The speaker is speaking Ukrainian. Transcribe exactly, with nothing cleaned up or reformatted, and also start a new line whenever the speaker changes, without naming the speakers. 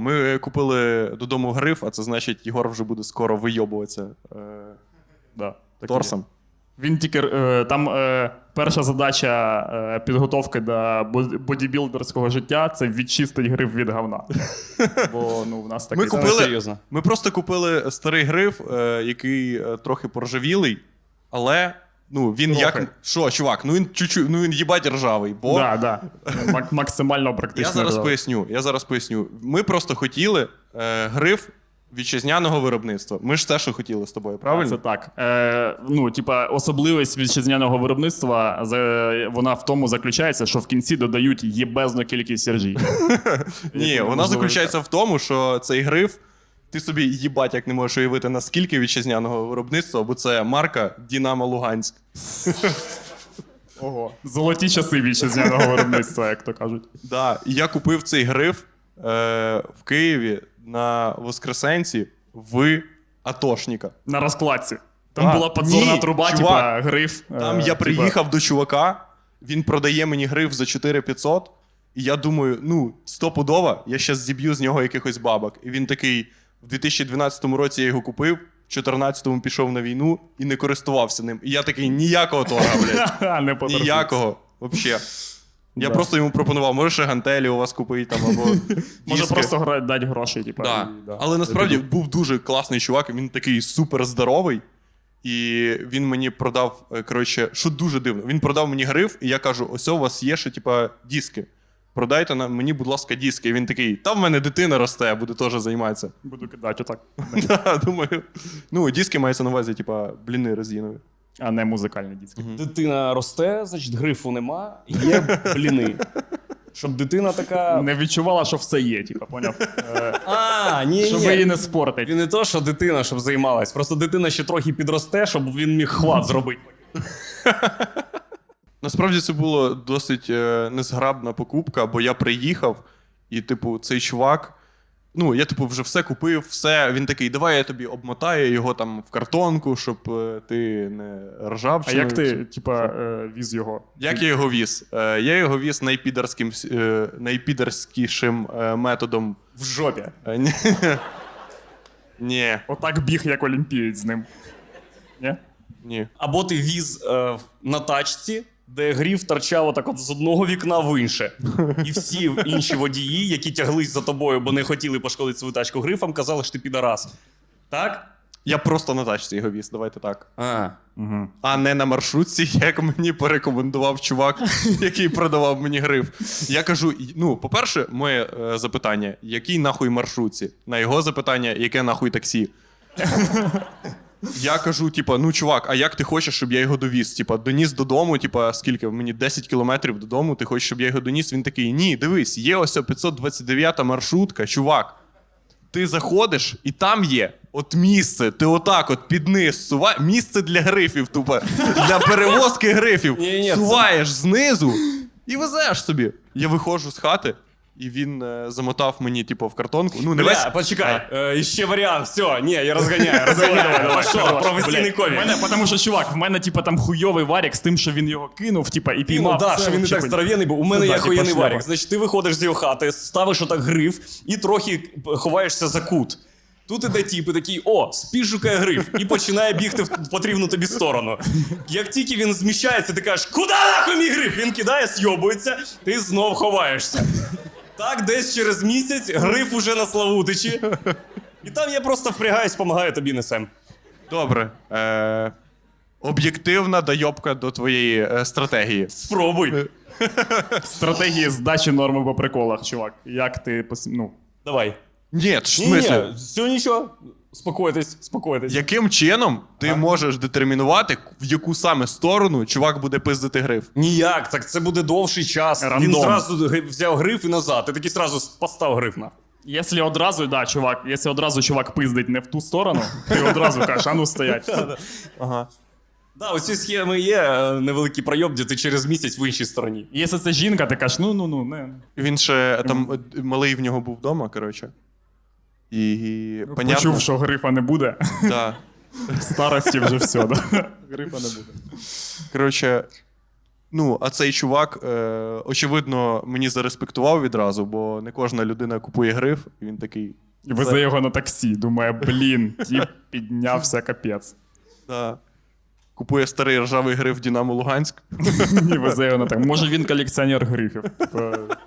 ми купили додому гриф, а це значить, Єгор вже буде скоро вийобуватися е,
Да,
торсом.
Він тільки е, там е, перша задача е, підготовки до бодібілдерського життя це відчистити гриф від говна. Бо ну, в нас такий...
Ми купили, ми просто купили старий гриф, е, який е, трохи поржавілий, але ну, він трохи. як... Що, чувак, ну він чуть-чуть, ну він їбать ржавий, бо...
Да, да. Мак- максимально практично.
Я зараз
ржавий.
поясню, я зараз поясню. Ми просто хотіли е, гриф вітчизняного виробництва. Ми ж те, що хотіли з тобою, правильно?
Це так. Е, ну, типа, особливість вітчизняного виробництва, за, вона в тому заключається, що в кінці додають єбезну кількість сержій.
Ні, вона заключається в тому, що цей гриф, ти собі їбать як не можеш уявити, наскільки вітчизняного виробництва, бо це марка Динамо Луганськ.
Ого. Золоті часи вітчизняного виробництва, як то кажуть.
Да, і я купив цей гриф е, в Києві на Воскресенці в Атошника.
На розкладці. Там
А,
була подзорна
ні,
труба,
чувак,
типа гриф.
Там
е,
я
типа...
приїхав до чувака, він продає мені гриф за чотири п'ятсот, і я думаю, ну, стопудово, я щас зіб'ю з нього якихось бабок. І він такий, в дві тисячі дванадцятому році я його купив, в чотирнадцятому пішов на війну і не користувався ним. І я такий, ніякого торга, блядь.
Не поторгуйся.
Ніякого, взагалі. Я
Да.
просто йому пропонував, може ще гантелі у вас купити, там, або
Може
диски.
просто гра- дати гроші, типа.
Да.
І, да.
Але насправді був дуже класний чувак, він такий супер здоровий. І він мені продав, е, коротше, що дуже дивно. Він продав мені гриф, і я кажу: ось у вас є ще, типа, диски. Продайте на мені, будь ласка, диски. І він такий, та в мене дитина росте, буде теж займатися.
Буду кидати отак.
Да, думаю. Ну, диски мається на увазі, типа, бліни резинові.
А не музикальні дітки.
Дитина росте, значить грифу нема, є бліни. Щоб дитина така...
Не відчувала, що все є, типа, поняв? Е,
А, ні,
Щоб
ні.
її не спортить.
Він не то, що дитина, щоб займалась. Просто дитина ще трохи підросте, щоб він міг хват зробити.
Насправді це було досить е, незграбна покупка, бо я приїхав, і, типу, цей чувак, ну, я, типу, вже все купив, все. Він такий, давай я тобі обмотаю його там в картонку, щоб е, ти не ржав.
А
чи
як
не-
ти, типа, е, віз його?
Як я його віз? Е, я його віз найпідерським, е, найпідерськішим е, методом.
В жопі.
Е, ні. Ні,
Отак біг, як олімпієць з ним. Ні?
ні.
Або ти віз е, на тачці, де гриф торчав отак от з одного вікна в інше. І всі інші водії, які тяглись за тобою, бо не хотіли пошкодити свою тачку грифом, казали, що ти підарас. Так?
Я просто на тачці його віз, давайте так.
А.
Угу.
А не на маршрутці, як мені порекомендував чувак, який продавав мені гриф. Я кажу, ну, по-перше, моє е, запитання, який нахуй маршрутці? На його запитання, яке нахуй таксі? Я кажу, типа, ну, чувак, а як ти хочеш, щоб я його довіз? Типа, доніс додому, типа, скільки? Мені десять кілометрів додому, ти хочеш, щоб я його доніс? Він такий, ні, дивись, є ось п'ятсот двадцять дев'ята маршрутка, чувак. Ти заходиш, і там є от місце, ти отак от під низ суваєш, місце для грифів, тупо, для перевозки грифів.
Ні-ні, це-
Суваєш знизу і везеш собі. Я виходжу з хати, і він е, замотав мені, типу, в картонку. Ну, не
Бля,
весь...
почекай, е, ще варіант, все, ні, я розганяю, розганяю. Пішов, професійний
У
ковік.
мене, тому що, чувак, в мене, типа, там хуйовий варік з тим, що він його кинув, типа, і
Ну,
піймав.
да,
Це
що він не
вообще
так
хуйня.
здоров'яний був. У мене
Це,
є
да, типа,
охуєнний
шляпа.
варік. Значить, ти виходиш з його хати, ставиш отак гриф і трохи ховаєшся за кут. Тут іде тіп і такий, о, спіш шукає гриф, і починає бігти в потрібну тобі сторону. Як тільки він зміщається, ти кажеш, куди нахуй мій гриф? Він кидає, сйобується, ти знов ховаєшся. Так, десь через місяць гриф уже на Славутичі. І там я просто впрягаюсь, допомагаю тобі несем.
Добре. Е... Об'єктивна дойобка до твоєї е, стратегії.
Спробуй.
Стратегії здачі норми по приколах, чувак. Як ти, пос- ну...
Давай.
Ні, в
Ні,
смислі?
ні, все нічого. Спокойтесь, спокойтесь.
Яким чином ти можеш детермінувати, в яку саме сторону чувак буде пиздити гриф?
Ніяк, так це буде довший час.
Рандом.
Він зразу гри- взяв гриф і назад. Ти такий зразу постав гриф на.
Якщо одразу, да, чувак, якщо одразу чувак пиздить не в ту сторону, ти одразу кажеш, а ну стоять.
Ага.
Да, оці схеми є е, невеликий пройоб, де ти через місяць в іншій стороні.
Якщо це жінка, ти кажеш, ну-ну-ну, не.
Він ще там е, малий в нього був вдома, коротше. І, і понятно.
Почув, що грифа не буде.
Да.
В старості вже все, да. Грифа не буде.
Коротше, Ну, а цей чувак, е, очевидно, мені зареспектував відразу, бо не кожна людина купує гриф, і він такий.
І везе його на таксі. Думає, блін, тіп піднявся капець.
Да. Купує старий ржавий гриф Дінамо Луганськ.
І везе його на так. Може він колекціонер грифів. Типа,